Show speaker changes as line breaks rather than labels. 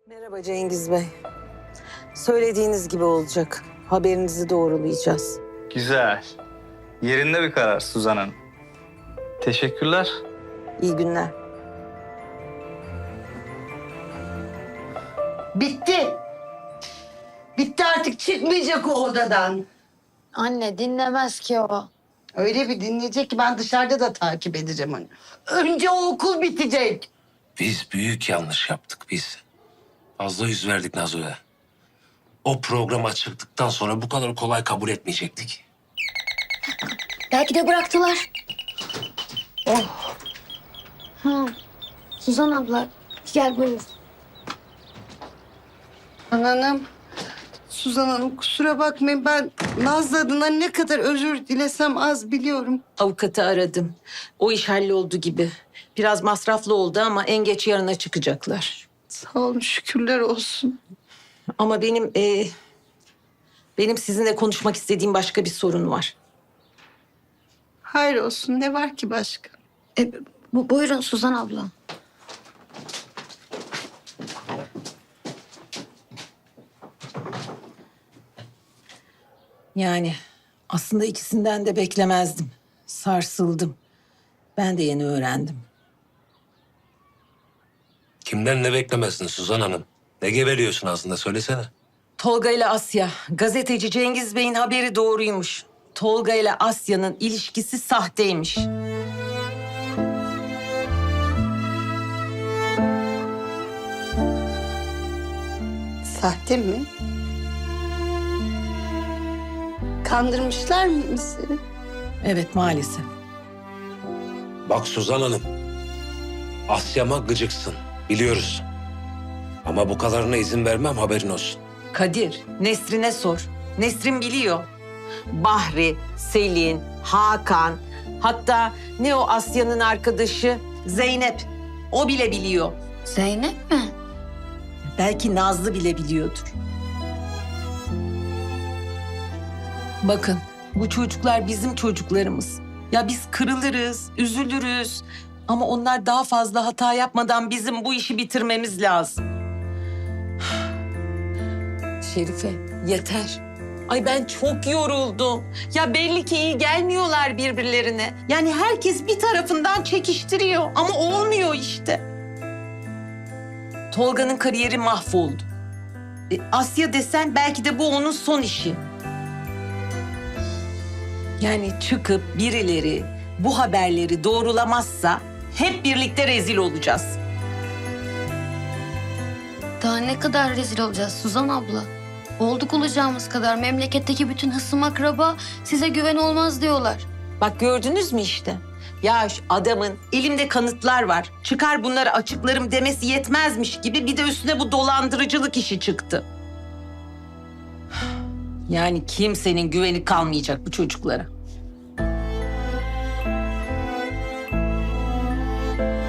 Merhaba Cengiz Bey. Söylediğiniz gibi olacak. Haberinizi doğrulayacağız.
Güzel. Yerinde bir karar Suzan Hanım. Teşekkürler.
İyi günler.
Bitti. Bitti artık çıkmayacak o odadan.
Anne dinlemez ki o.
Öyle bir dinleyecek ki ben dışarıda da takip edeceğim onu. Önce o okul bitecek.
Biz büyük yanlış yaptık biz. Fazla yüz verdik Nazo'ya. O programa çıktıktan sonra bu kadar kolay kabul etmeyecektik.
Belki de bıraktılar. Ha, Suzan abla gel buyur.
Hanım, Suzan Hanım kusura bakmayın ben Nazlı adına ne kadar özür dilesem az biliyorum.
Avukatı aradım. O iş halloldu gibi. Biraz masraflı oldu ama en geç yarına çıkacaklar.
Sağ olun şükürler olsun.
Ama benim sizinle konuşmak istediğim başka bir sorun var.
Hayır olsun ne var ki başka?
Buyurun Suzan abla.
Yani aslında ikisinden de beklemezdim. Sarsıldım. Ben de yeni öğrendim.
Kimden ne beklemezsin Suzan Hanım? Ne geveliyorsun aslında söylesene.
Tolga ile Asya, gazeteci Cengiz Bey'in haberi doğruymuş. Tolga ile Asya'nın ilişkisi sahteymiş.
Sahte mi? Kandırmışlar mı seni?
Evet, maalesef.
Bak Suzan Hanım. Asya'ma gıcıksın. Biliyoruz. Ama bu kadarına izin vermem haberin olsun.
Kadir, Nesrin'e sor. Nesrin biliyor. Bahri, Selin, Hakan, hatta ne o Asya'nın arkadaşı Zeynep. O bile biliyor.
Zeynep mi?
Belki Nazlı bile biliyordur. Bakın, bu çocuklar bizim çocuklarımız. Ya biz kırılırız, üzülürüz. Ama onlar daha fazla hata yapmadan bizim bu işi bitirmemiz lazım. Şerife, yeter. Ay ben çok yoruldum. Ya belli ki iyi gelmiyorlar birbirlerine. Yani herkes bir tarafından çekiştiriyor ama olmuyor işte. Tolga'nın kariyeri mahvoldu. Asya desen belki de bu onun son işi. Yani çıkıp birileri bu haberleri doğrulamazsa hep birlikte rezil olacağız.
Daha ne kadar rezil olacağız Suzan abla? Olduk olacağımız kadar memleketteki bütün hısım akraba size güven olmaz diyorlar.
Bak gördünüz mü işte? Ya şu adamın elimde kanıtlar var. Çıkar bunları açıklarım demesi yetmezmiş gibi bir de üstüne bu dolandırıcılık işi çıktı. Yani kimsenin güveni kalmayacak bu çocuklara.